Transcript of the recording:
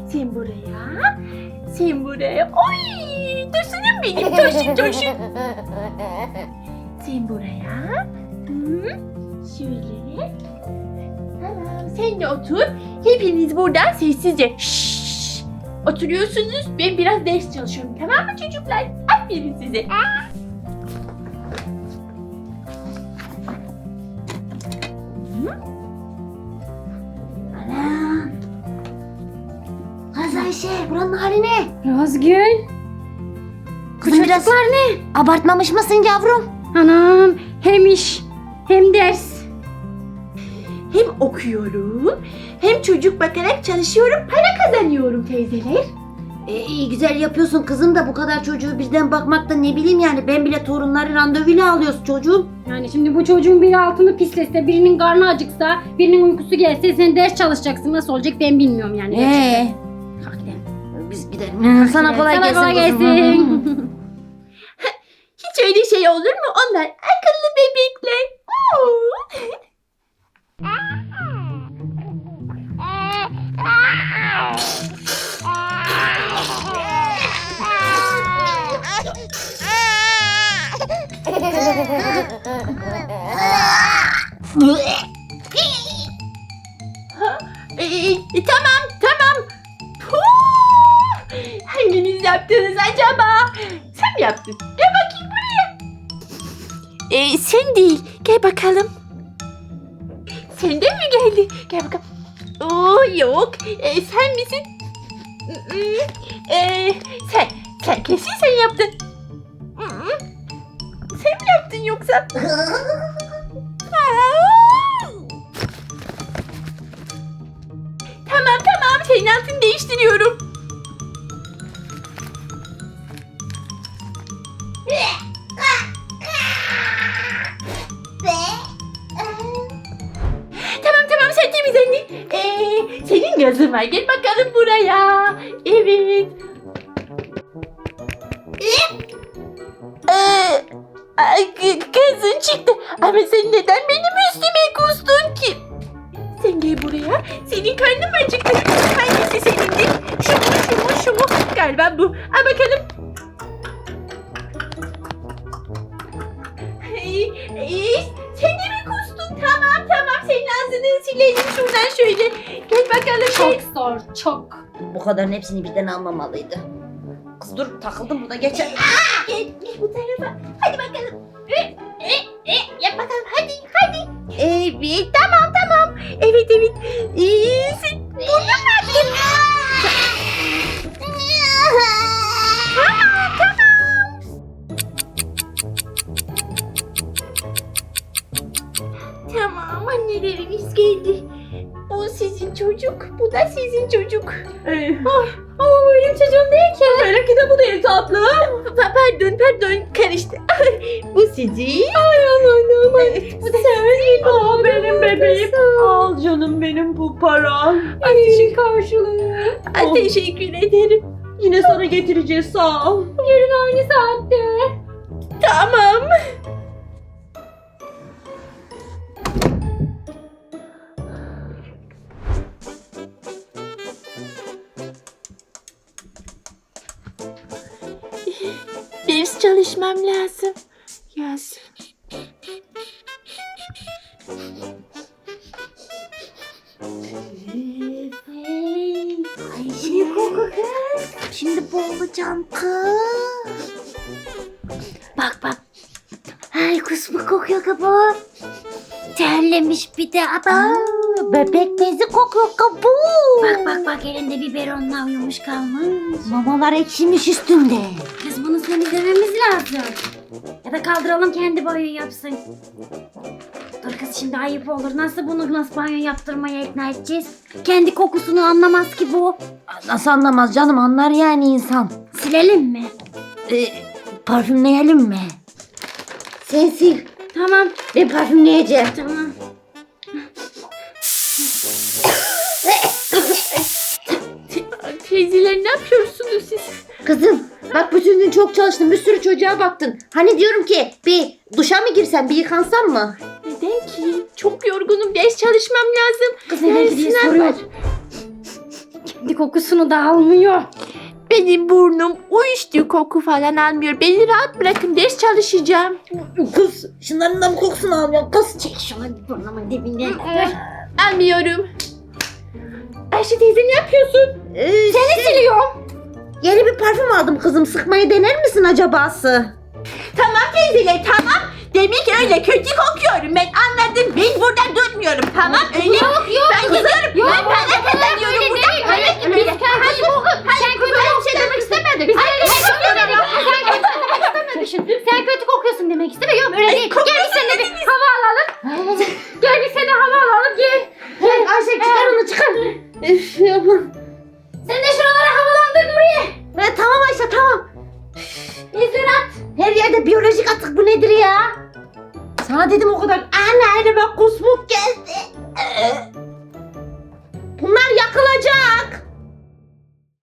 Sen buraya. Sen buraya. Oy! Tosunum benim. Tosun. Sen buraya. Hı, şöyle. Tamam. Sen de otur. Hepiniz buradan sessizce. Şşş. Oturuyorsunuz. Ben biraz ders çalışıyorum. Tamam mı çocuklar? Aferin size. Anam. Kız Ayşe, buranın hali ne? Razgül. Kızım biraz ne? abartmamış mısın yavrum? Anam hem iş hem ders. Hem okuyorum, hem çocuk bakarak çalışıyorum, para kazanıyorum teyzeler. İyi güzel yapıyorsun kızım da bu kadar çocuğu birden bakmakta ne bileyim yani ben bile torunları randevuyla alıyoruz çocuğum. Yani şimdi bu çocuğun biri altını pislese, birinin karnı acıksa, birinin uykusu gelse sen ders çalışacaksın. Nasıl olacak ben bilmiyorum yani. Kalk gidelim. Biz gidelim. Sana kolay Sana gelsin. kolay kızım. gelsin. Hiç öyle şey olur mu? Onlar akıllı bebekler. Oo. Tamam. Puh! Hanginiz yaptınız acaba? Sen mi yaptın? Gel bakayım buraya. Sen değil. Gel bakalım. Senden mi geldi? Gel bakalım. Oo yok. Sen misin? Sen kesin sen yaptın. Sen mi yaptın yoksa? Tamam. Senin altını değiştiriyorum. Tamam sen temizlendin. Senin gazın var. Gel bakalım buraya. Evet. Gazın çıktı. Ama sen neden benim üstüme kustun ki? Sen gel buraya. Senin karnın mı acıktı? Hangisi senindi? Şu mu? Galiba bu. Al bakalım. Sen de mi kustun? Tamam. Senin ağzını silelim şuradan şöyle. Gel bakalım. Çok zor, çok. Bu kadarın hepsini birden almamalıydı. Kız dur takıldım burada geçer. Gel bu tarafa. Hadi bakalım. Yap bakalım. Hadi. Evet tamam. Evet. Sen burnun mu attın? Tamam anneleriniz geldi. Bu sizin çocuk, bu da sizin çocuk. Ama benim çocuğum değil ki. Benimki de bu değil tatlım. Pardon karıştı. Bu sizin. Bu da sizin. Aa, benim bebeğim. Al canım benim bu param. İşin karşılığı. Teşekkür ederim. Yine sana getireceğiz sağ ol. Yarın aynı saatte. Tamam. Ders çalışmam lazım. Yaz. Ayşe koku kız. Şimdi boğulacağım kız. Bak. Ay kusmu kokuyor kabuğu. Terlemiş bir de adam. Bebek bezi kokuyor kabuğu. Bak elinde biberonla uyumuş kalmış. Mamalar ekşimiş üstünde. Kız bunu temizlememiz lazım. Ya da kaldıralım kendi banyo yapsın. Dur kız şimdi ayıp olur. Nasıl banyo yaptırmaya ikna edeceğiz? Kendi kokusunu anlamaz ki bu. Nasıl anlamaz canım anlar yani insan. Silelim mi? Parfümleyelim mi? Sen sil. Tamam. Ben parfümleyeceğim. Tamam. Teyzeler ne yapıyorsunuz siz? Kızım bak bütün gün çok çalıştın bir sürü çocuğa baktın. Hani diyorum ki bir duşa mı girsem bir yıkansam mı? Neden ki? Çok yorgunum. Ders çalışmam lazım. Kız neden Yarın diye sınav soruyor. var. kendi kokusunu da almıyor. Benim burnum uyuştuğu koku falan almıyor. Beni rahat bırakın, ders çalışacağım. Kız şunların da mı kokusunu almıyorsun kız? Çek şunu burnumun dibine. Almıyorum. Ayşe teyze ne yapıyorsun? Seni Siliyorum. Yeni bir parfüm aldım kızım. Sıkmayı dener misin acabası? Tamam teyzeler tamam. Demek öyle kötü kokuyorum. Ben anladım. Ben buradan durmuyorum. Tamam öyle. Yok Ben gidiyorum. Yok, Ben para kazanıyorum buradan. Para kazanıyorum. Sen kötü bir şey demek istemedik. Biz öyle sen kötü demek istemedin. Sen kötü kokuyorsun demek istemiyorum. Öyle değil. Gel biz seninle bir hava alalım. Gel biz seninle hava alalım. Gel. Gel Ayşe çıkar onu çıkar. Üf yapma. Sen de şuraları havalandır Nuriye. Tamam Ayşe tamam. İzdirat. Her yerde biyolojik atık bu nedir ya? Sana dedim o kadar. Anne elime kusmuk geldi. Bunlar yakılacak.